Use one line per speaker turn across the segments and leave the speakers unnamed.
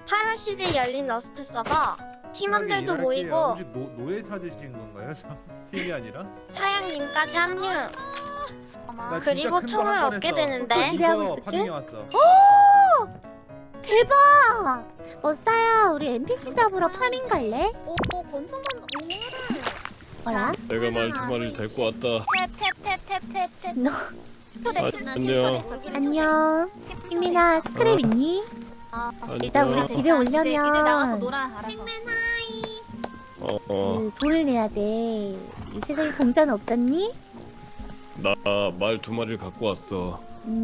8월 10일 열린 러스트 서버 팀원들도 모이고
혹시 노예 찾으신 건가요? 팀이 아니라?
사양님까지 합류.
나 진짜
그리고
큰거
총을
한 번
얻게
했어.
되는데
기대하고
이거
있을게.
파밍해 왔어.
대박! 머싸야, 우리 NPC 잡으러 파밍 갈래?
오, 건성만
뭐라?
내가 말 두 마리를 데리고 왔다.
탭탭탭탭탭탭.
너
안녕.
안녕. 희민아, 스크랩 있니? 일단 우리 집에
이제 나가서
오려면
놀아. 알아서.
돈을 내야 돼. 이 세상에 공짜는 없잖니?
나 말 두 마리를 갖고 왔어.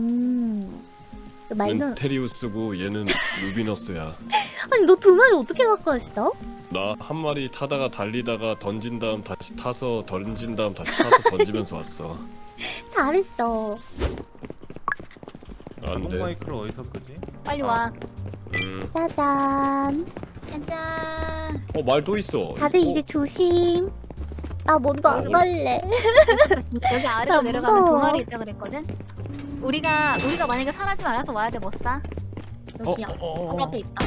그 말도
멘테리우스고 얘는 루비너스야.
아니 너 두 마리 어떻게 갖고 왔어?
나 한 마리 타다가 달리다가 던진 다음 다시 타서 던진 다음 다시 타서 던지면서 왔어.
잘했어.
안
자동
돼.
마이크를 어디서 끄지?
빨리 와.
짜잔.
짠짠.
말 또 있어.
다들 이제 조심. 나 뭔도 안 갈래.
여기 아래로
나
내려가면
무서워.
두 마리 있다 그랬거든. 우리가 만약에 사라지면 알아서 와야 돼. 못 사. 여기야. 바로 앞에 있다.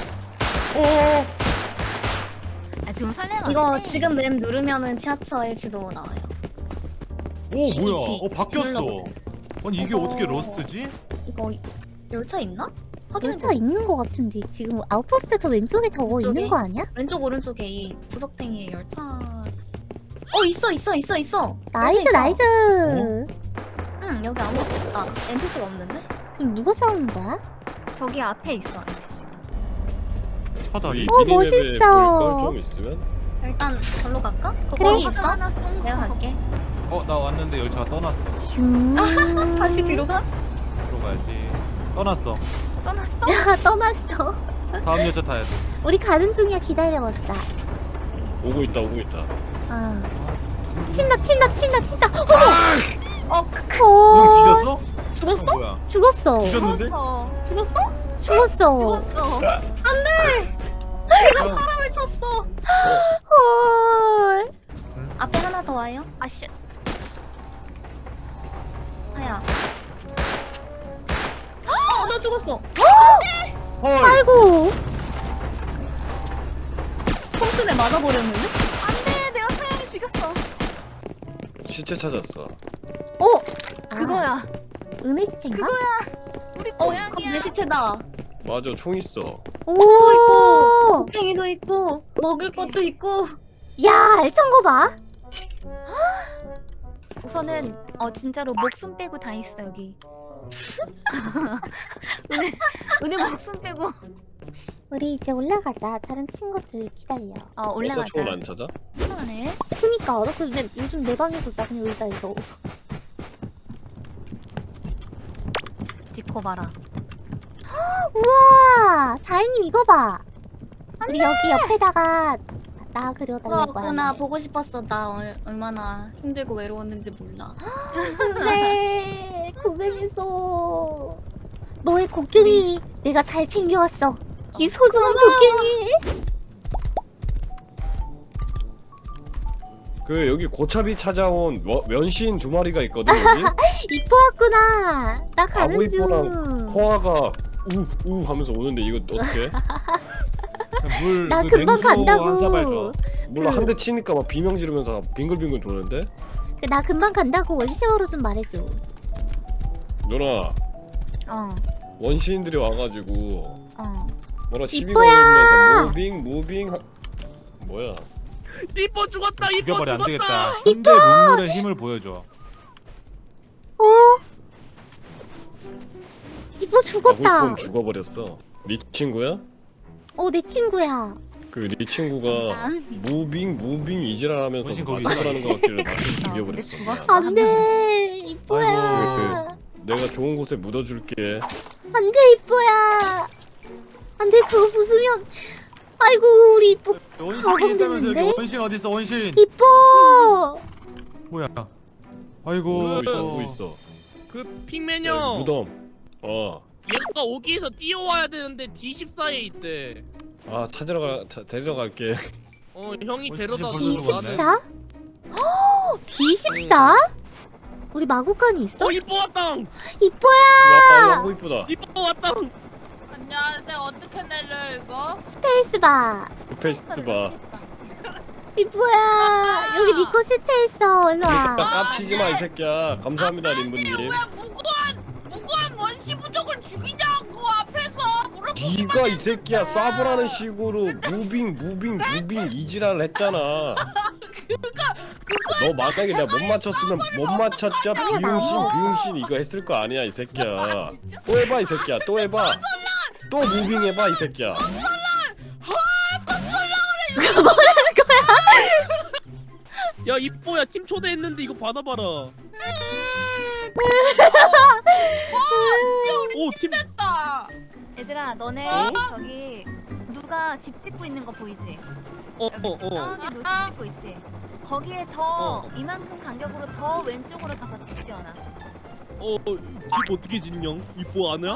아 지금 설레는
이거 지금 맵 누르면은 지하철 지도 나와요.
오 뭐야?
G.
바뀌었어.
눌러보세요.
아니 이게
이거-
어떻게 러스트지?
이거 열차 있나? 확인해
열차 있는 거 같은데 지금 아웃포스트 저 왼쪽에 저거
왼쪽에?
있는 거 아니야?
왼쪽 오른쪽에 이 구석탱이에 열차. 있어.
나이스
있어.
나이스.
응 여기 아무것도 없다. NPC가 없는데?
그럼 누가 싸우는 거야?
저기 앞에 있어. NPC.
사다리.
멋있어.
좀 있으면?
일단 절로 갈까?
그래.
거기 있어?
하나 쏜
내가 갈게.
나 왔는데 열차가 떠났어.
슝.
다시 뒤로 가?
들어가야지. 떠났어.
떠났어?
야 떠났어.
다음 열차 타야 돼.
우리 가는 중이야 기다려봤어.
오고 있다.
아. 친다.
형
어머.
뒤졌어?
죽었어?
뭐야?
죽었어.
뒤졌는데?
죽었어?
죽었어.
사람을 쳤어.
헐.
앞에 하나 더 와요? 아씨. 하야. 나 죽었어.
헐.
아이고.
콩순에 맞아버렸는데?
안돼. 내가 사양이 죽였어.
시체 찾았어.
그거야.
은혜 시체인가?
우리
그럼
고양이야.
내 시체다.
맞아, 총 있어.
오.
팽이도 있고 먹을 것도 있고.
야 알찬 거 봐.
우선은 진짜로 목숨 빼고 다 있어 여기. 은혜 목숨 빼고.
우리 이제 올라가자. 다른 친구들 기다려.
벌써
올라가자.
총을 안 찾아?
이상하네.
그니까 나 근데 요즘 내 방에서 자 그냥 의자에서.
디코 봐라.
우와 자이님 이거 봐. 우리 여기 옆에다가 나 그려달라고
그렇구나.
하네.
보고 싶었어. 나 얼마나 힘들고 외로웠는지 몰라.
그래 고생했어. 너의 곡괭이 내가 잘 챙겨왔어. 이 소중한 곡괭이.
여기 고차비 찾아온 면신 두 마리가 있거든 여기.
이뻐왔구나. 나 가는 중.
아구이뽀랑 코아가 우 하면서 오는데 이거 어떻게?
물.
나
그
금방
냉수 한 사발
간다고.
줘.
몰라 한 대 치니까 막 비명 지르면서 빙글빙글 도는데?
나 금방 간다고 원시어로 좀 말해줘.
누나
어.
원시인들이 와가지고 뭐라 시비
이뻐야!
걸면서 무빙 뭐야?
이뻐 죽었다. 이뻐
죽여버려 안
죽었다.
되겠다. 현대 문물의 힘을 보여줘.
어? 이뻐 죽었다.
아구이뽀는 죽어버렸어. 네 친구야?
내 친구야.
네 친구가 무빙 이지랄하면서
원신 거기
맞춰라는 것 같길래 맞춰
근데
죽여버렸어.
죽었어.
안돼 이뻐야.
내가 좋은 곳에 묻어줄게.
안돼 이뻐야. 안돼 그거 부수면. 아이고 우리 이뻐.
원신이
가공됐는데?
있다면서 여기 원신 어딨어 원신?
이뻐.
뭐야? 아이고.
오고 있어.
그 핑맨
여기
형.
무덤.
얘가 오기에서 뛰어와야 되는데 D14에 있대.
데리러 갈게.
형이
어,
데려다
벌써
줘.
죽었네.
D14? D14? 우리 마구간이 있어?
이뻐 왔다.
이뻐야.
아구 이쁘다.
이뻐 왔다.
야, 쌤 어떻게 내려 이거?
스페이스바.
페이스바.
이 뭐야? 여기 니코 시체 있어. 일로
그러니까
와.
깝치지 마 이 새끼야. 감사합니다 림부님.
왜 무고한 원시 부족을 죽이냐고 앞에서 물어보기만
네가 이 새끼야 쏴보라는 식으로 무빙 이지랄을 했잖아. 너 만약에 내가 못 맞췄으면 못 맞췄자 비용신 이거 했을 거 아니야 이 새끼야. 또 해봐 이 새끼야 또 해봐. 또 무빙 해봐 이 새끼야.
야 이뻐야 팀 초대했는데 이거 받아봐라. 오팀
됐다.
얘들아 너네 저기 누가 집 짓고 있는 거 보이지? 저기 누 집 짓고 있지? 거기에 더 이만큼 간격으로 더 왼쪽으로 가서 집 지어놔.
집 어떻게 짓냐? 이뻐 아냐?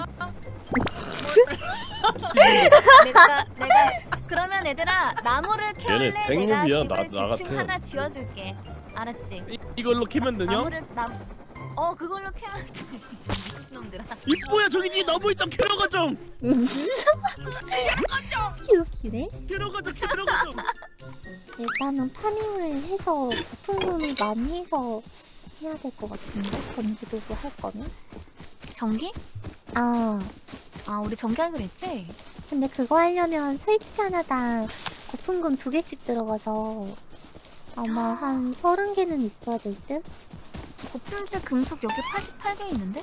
내가 그러면 얘들아 나무를 캐올래.
얘네 생육이야,
내가 집을
나
대충
같아.
하나 지어줄게. 알았지?
이걸로 캐면 되냐?
나무를 그걸로 캐면 돼. 미친놈들아.
이뻐야 저기 뒤에 나무 있다. 캐러 가정.
귀엽기네.
캐러 가정.
일단은 파밍을 해서 보통금을 많이 해서 해야 될 것 같은데 전기도구 할 거면.
전기?
아
우리 전기 하기로 했지?
근데 그거 하려면 스위치 하나당 거품금 2개씩 들어가서 아마 한 30개는 있어야 될 듯?
고품질 금속 여기 88개 있는데?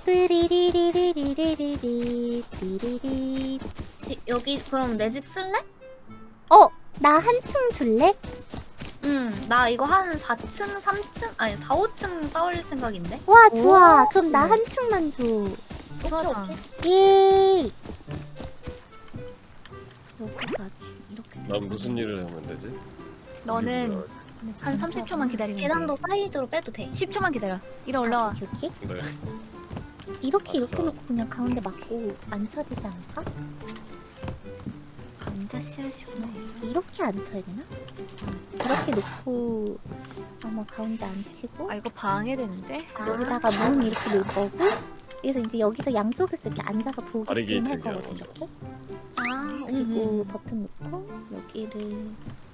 띠리리리리리리리 띠리리.
여기 그럼 내 집 쓸래?
나 한층 줄래?
나 이거 한 4층, 3층, 아니 4, 5층 쌓을 생각인데?
와 좋아. 그럼 나 한층만 줘.
그거잖아.
예. 여기까지 이렇게.
난 무슨 일을 하면 되지?
너는 한 30초만 기다리면 돼.
계단도 사이드로 빼도 돼.
10초만 기다려. 이리 올라와.
이렇게?
네.
이렇게
아싸.
놓고 그냥 가운데 맞고 앉혀야 되지 않을까?
감자 씨앗이구나.
이렇게 앉혀야 되나? 이렇게 놓고 아마 가운데 앉히고
이거 방해되는데?
여기다가 문 이렇게 놓을 거고 그래서 이제 여기서 양쪽에서 이렇게 앉아서 보게끔 할
바리게이트
거거든
얘기하는
이렇게
아,
그리고 버튼 놓고 여기를